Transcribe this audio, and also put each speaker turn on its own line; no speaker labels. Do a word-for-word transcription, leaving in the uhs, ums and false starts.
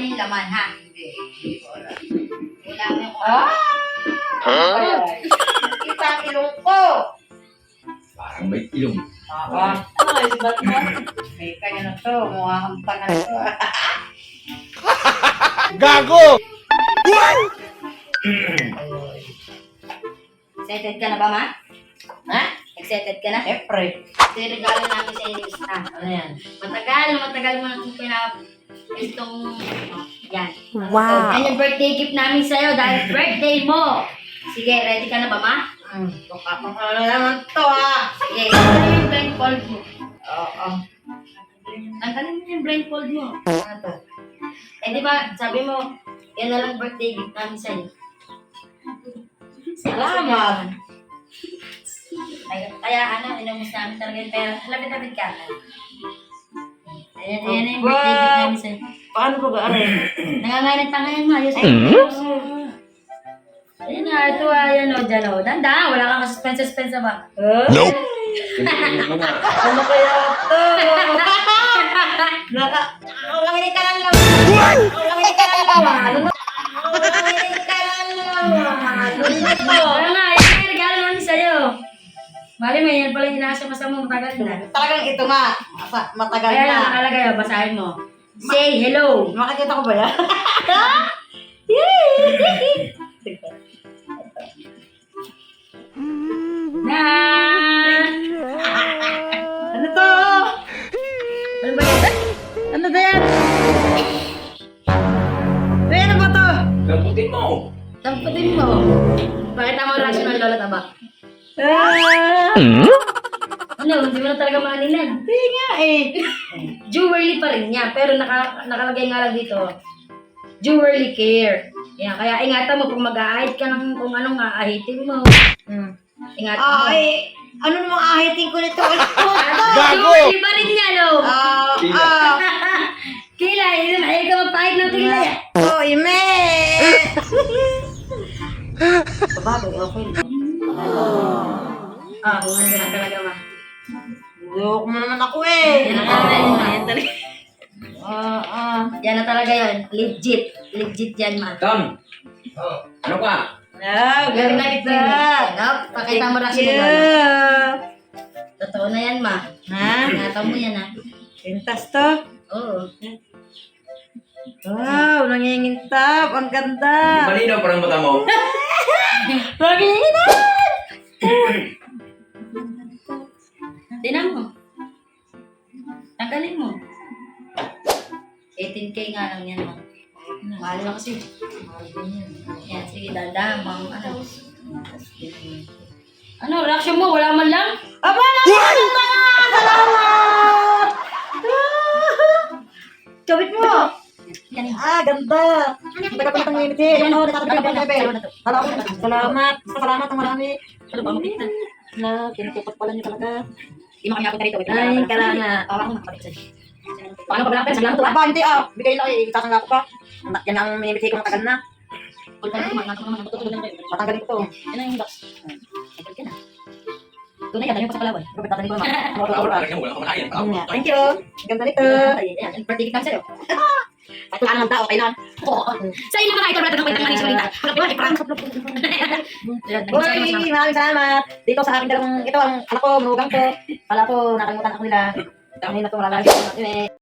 yung laman, ha?
Hindi, hindi ko alam.
Kailangan ko.
Ah! Ay, kita ang ilong ko.
Parang may ilong.
Ah,
Ano kayo si Batman?
may kanya na to. Mukha kang tanga na to.
Gago!
Excited ka na ba, ma?
Ha?
Excited ka na?
Siyempre.
Ito yung regalo namin sa inyo, isa.
Ano yan?
Matagal, matagal mo na itong pinap... Itong... Yan.
Wow.
Yan yung birthday gift namin sa'yo dahil birthday mo. Sige, ready ka na ba, ma?
Hmm, baka pang ano naman to ha.
Sige, tanggalin yung blindfold mo.
Oo.
Tanggalin mo yung blindfold mo.
Ano to?
Eh, di ba, sabi mo, yan na lang birthday gift namin sa'yo.
Salamat.
Kaya, kaya ano, inubos namin talaga yung pera. Lapit-lapit ka. Ayan, ayan na yung birthday gift namin sa'yo.
Paano ba ba?
Nangangalit pa ngayon, ma. Ayos. Ayan na, ito ah, yan o, dyan o. Danda, wala kang suspense-suspense ba?
Huh?
Nope!
Ano kaya to? Naka... Ulanginig ka lang lang. Ulanginig ka lang lang. Ulanginig ka lang lang. Ano to?
Wala nga, yan yung regalo namin sa'yo. Mali mo, yan pala yung inaasya-masa mo, matagal na.
Talagang ito nga. Asa, matagal
Kaya lang,
na.
nakalagay o, basahin mo. Say hello.
Makikita ko ba yan?
Na!
Ano to?
Ano ba yan?
Ano ba yan? Uy, ano ba to?
Lamputin mo!
Tamputin mo. Pakita mo reaction ng lola taba.
Ah!
Ano, hindi mo na talaga maaninag.
Hindi nga eh.
Jewelry pa rin niya, pero naka, nakalagay nga lang dito. Jewelry care. Yan, kaya ingatan mo kung mag-aahit ka ng kung anong aahitin mo.
Hmm.
Ingatan mo.
Ay, ano namang ahiting ko nito? Ano to?
Gago!
Jewelry pa rin niya, no?
Ah,
Tila.
ah.
Kila, yun, ayaw ka magpahit ng tila yan.
Oh, ime! Sabagay, okay.
Ah, kung ano na talaga ma.
Loko mo naman ako eh.
Yan na talaga yun, ma. Yan talaga.
Ah, ah.
Yan na talaga yun. Legit. Legit yan, ma.
Tom! Oh, ano ka?
Ah,
Very
ganda.
nice. Yan, pakita mo reaction ng lola.
Yeah.
Totoo na yan, ma.
Ha?
Ingatan mo yan, ha.
Pintas to?
Oo.
Wow, nangingintab. Ang ganda.
Malinaw parang mata mo.
Nangingintab!
Tinan mo. Tanggalin mo. eighteen K nga lang yan, ma. Mahal na kasi. Yan, sige, dahan mga ano. Ano, reaction mo? Wala man lang?
Aba, naman na! Salamat! Kabit mo!
Yan yun.
Ah, ganda! Taga pa natang ngimiti. Yung ano, natatapit ka pa, Bebe. Salamat. Salamat ang marami.
Ano ba, makita?
Na, kinukupat pala niyo talaga.
Hindi mo kami napunta rito. Wait,
Ay, kala nga.
Tawa ko, makapit sa'yo. Paano pa ba lang? Saglang to, ha?
Aba, hindi ah. Bigay lang eh. Itasangla ko pa. Yan ang minimiti ko matagal na.
Kung paano ko, magkakaroon naman, matutulog lang kayo.
Matanggalin ko to.
Yan ang box. Tagal ka na. Tunay, yan, dami pa sa Palawan.
Robert, tatanin ko naman.
Wala ka wala ka makain.
Yun nga. Thank you. Ganda nito.
Ay, yan, birthday gift namin sa'yo.
At kung anong tao, kailan?
Oo. Sa inyo mga ito, brother, kapag tanggalin sa balita. Pagkapi ba, iprank.
Uy, maraming salamat. Dito sa aking dalawang, ito ang anak ko, manugang ko. Kala ko, nakalimutan ako nila. Dami na ito, malalagay ko.